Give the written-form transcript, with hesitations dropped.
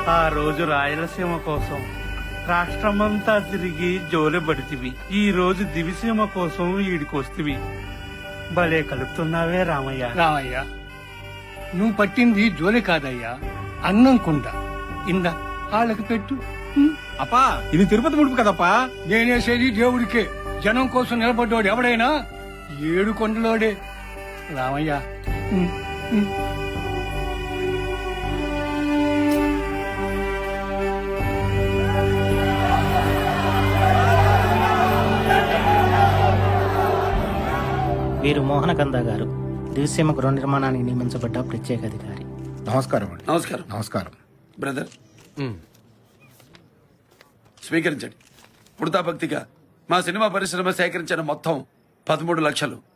ఆ రోజు రాయలసీమ కోసం రాష్ట్రమంతా తిరిగి జోలె పడితివి. ఈ రోజు దివిసీమ కోసం ఈడికొస్తివి. భలే కలుపుతున్నావే రామయ్య. రామయ్య, నువ్వు పట్టింది జోలి కాదయ్యా, అన్నం కుండ. ఇందా వాళ్ళకి పెట్టు. అప్పా ఇది తిరుపతి ముడుపు కదప్పా. నేనేసేది దేవుడికే. జనం కోసం నిలబడ్డోడు ఎవడైనా 7 కొండలోడే. రామయ్య, వీరు మోహనకంద గారు, దివిసీమ గృహ నిర్మాణానికి నియమించబడ్డ ప్రత్యేక అధికారి. నమస్కారం అండి. నమస్కారం. నమస్కారం. బ్రదర్ స్వీకరించండి. పుడతా భక్తిగా మా సినిమా పరిశ్రమ సేకరించిన మొత్తం 13 లక్షలు